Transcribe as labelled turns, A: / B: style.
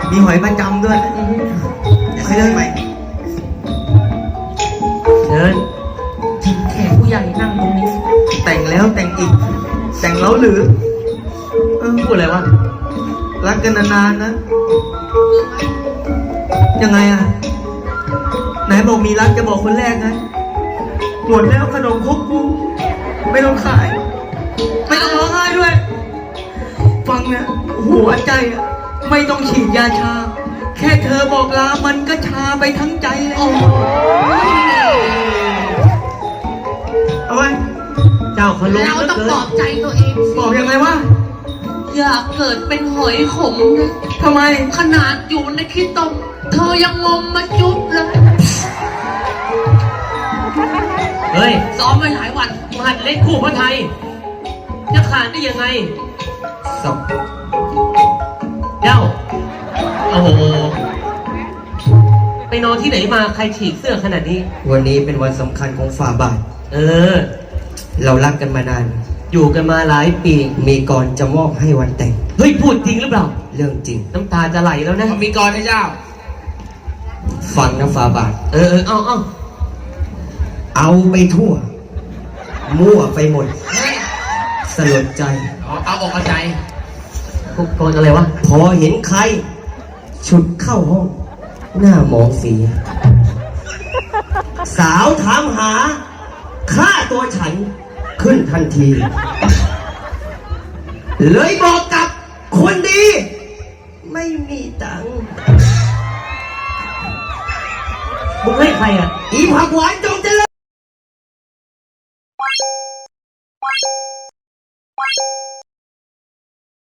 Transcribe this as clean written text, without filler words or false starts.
A: มีหอยประจำด้วยไปเลยไหม
B: เชิญแขกผู้ใหญ่นั่งตรงนี้
A: แต่งแล้วแต่งอีกแต่งแล้วหรือ
B: พูดอะไรวะ
A: รักกันนานๆนะยังไงอ่ะไหนบอกมีรักจะบอกคนแรกไงหมดแล้วขนมครกกูไม่ต้องขายไม่ต้องร้องไห้ด้วยฟังนะหัวใจอ่ะไม่ต้องฉีดยาชาแค่เธอบอกลามันก็ชาไปทั้งใจเลยเอาไว้
B: เจ้าขลุ่ม
C: เราต้องปลอบใจตัวเอง
A: บอกยังไงวะ
C: อยากเกิดเป็นหอยขมนะ
A: ทำไม
C: ขนาดอยู่ในขี้ต้มเธอยังงมมาจุ๊บเลย
B: เฮ้ย
C: ซ้อมไว้หลายวัน
B: หัดเล่นคู่พระไทยจะขาดได้ยังไง
A: สอบ
B: เจ้าโอ้โหไปนอนที่ไหนมาใครฉีกเสื้อขนาดนี้
A: วันนี้เป็นวันสำคัญของฝ่าบาทเรารักกันมานาน
B: อยู่กันมาหลายปี
A: มีกรจะมอบให้วันแต่ง
B: เฮ้ยพูดจริงหรือเปล่า
A: เรื่องจริง
B: น้ำตาจะไหลแล้วนะ
C: มีกรให้เจ้า
A: ฟังนะฝ่าบาทเอาไปทั่วมั่วไปหมดสลดใจ
C: เอาอกเอาใจ
B: กรอะไรวะ
A: พอเห็นใครฉุดเข้าห้องหน้ามองสีสาวถามหาค่าตัวฉันขึ้นทันทีเลยบอกกับคนดีไม่มีตังค์
B: มึงให้ใครอ่ะ
A: อีผักหวานจง